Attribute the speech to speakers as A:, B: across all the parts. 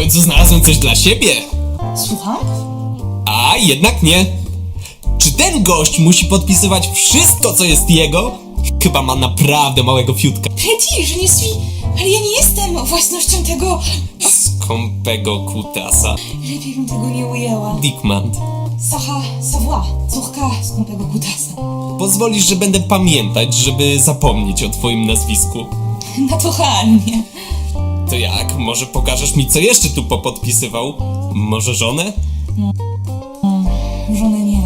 A: końcu znalazłem coś dla siebie.
B: Słucham?
A: A jednak nie. Czy ten gość musi podpisywać wszystko, co jest jego? Chyba ma naprawdę małego fiutka.
B: Petit, je ne suis... Ale ja nie jestem własnością tego...
A: Skąpego kutasa.
B: Lepiej bym tego nie ujęła.
A: Dickmand.
B: Sacha Savoie, córka skąpego kutasa.
A: Pozwolisz, że będę pamiętać, żeby zapomnieć o twoim nazwisku.
B: Naturalnie.
A: To jak? Może pokażesz mi, co jeszcze tu popodpisywał? Może żonę?
B: Żony nie.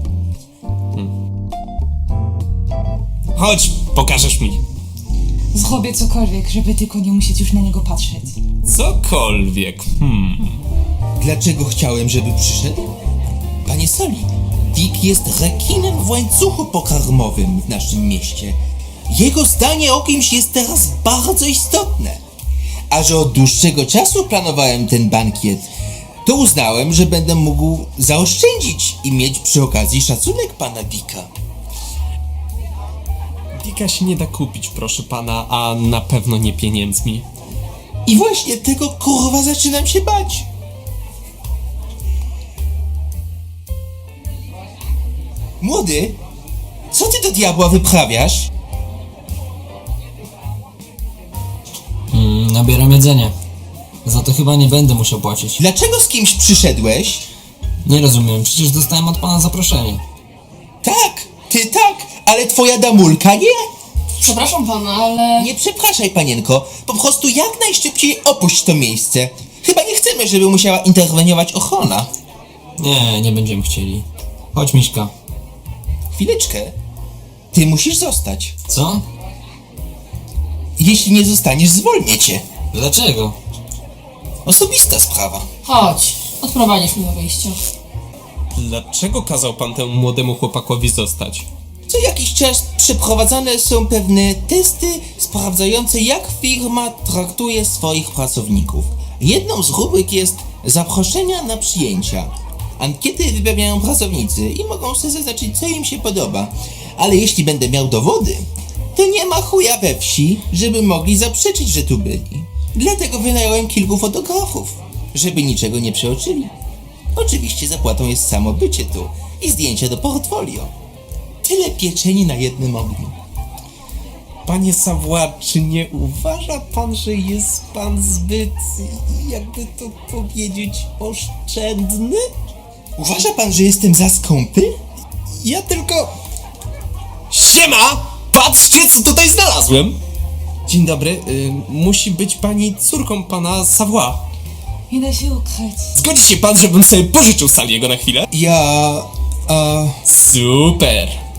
A: Chodź, pokażesz mi.
B: Zrobię cokolwiek, żeby tylko nie musieć już na niego patrzeć.
A: Cokolwiek.
C: Dlaczego chciałem, żeby przyszedł? Panie Soli, Dick jest rekinem w łańcuchu pokarmowym w naszym mieście. Jego zdanie o kimś jest teraz bardzo istotne. A że od dłuższego czasu planowałem ten bankiet, to uznałem, że będę mógł zaoszczędzić i mieć przy okazji szacunek pana Dicka.
A: Dicka się nie da kupić, proszę pana, a na pewno nie pieniędzmi.
C: I właśnie tego kurwa zaczynam się bać. Młody, co ty do diabła wyprawiasz?
D: Nabieram jedzenie. Za to chyba nie będę musiał płacić.
C: Dlaczego z kimś przyszedłeś?
D: Nie rozumiem, przecież dostałem od pana zaproszenie.
C: Tak, ty tak, ale twoja damulka nie?
B: Przepraszam pana, ale...
C: Nie przepraszaj, panienko, po prostu jak najszybciej opuść to miejsce. Chyba nie chcemy, żeby musiała interweniować ochrona.
D: Nie będziemy chcieli. Chodź, Miśka.
C: Chwileczkę, ty musisz zostać.
D: Co?
C: Jeśli nie zostaniesz, zwolnię cię.
D: Dlaczego?
C: Osobista sprawa.
B: Chodź, odprowadzisz mnie do wyjścia.
A: Dlaczego kazał pan temu młodemu chłopakowi zostać?
C: Co jakiś czas przeprowadzane są pewne testy sprawdzające, jak firma traktuje swoich pracowników. Jedną z rubryk jest zaproszenia na przyjęcia. Ankiety wypełniają pracownicy i mogą sobie zaznaczyć, co im się podoba. Ale jeśli będę miał dowody, to nie ma chuja we wsi, żeby mogli zaprzeczyć, że tu byli. Dlatego wynająłem kilku fotografów, żeby niczego nie przeoczyli. Oczywiście zapłatą jest samo bycie tu i zdjęcia do portfolio. Tyle pieczeni na jednym ogniu.
A: Panie Savoie, czy nie uważa pan, że jest pan zbyt, jakby to powiedzieć, oszczędny?
C: Uważa pan, że jestem za skąpy?
A: Ja tylko... Siema! Patrzcie, co tutaj znalazłem! Dzień dobry, musi być pani córką pana Savoie.
B: Nie da się ukryć.
A: Zgodzi się pan, żebym sobie pożyczył Saliego na chwilę?
C: Ja...
A: Super!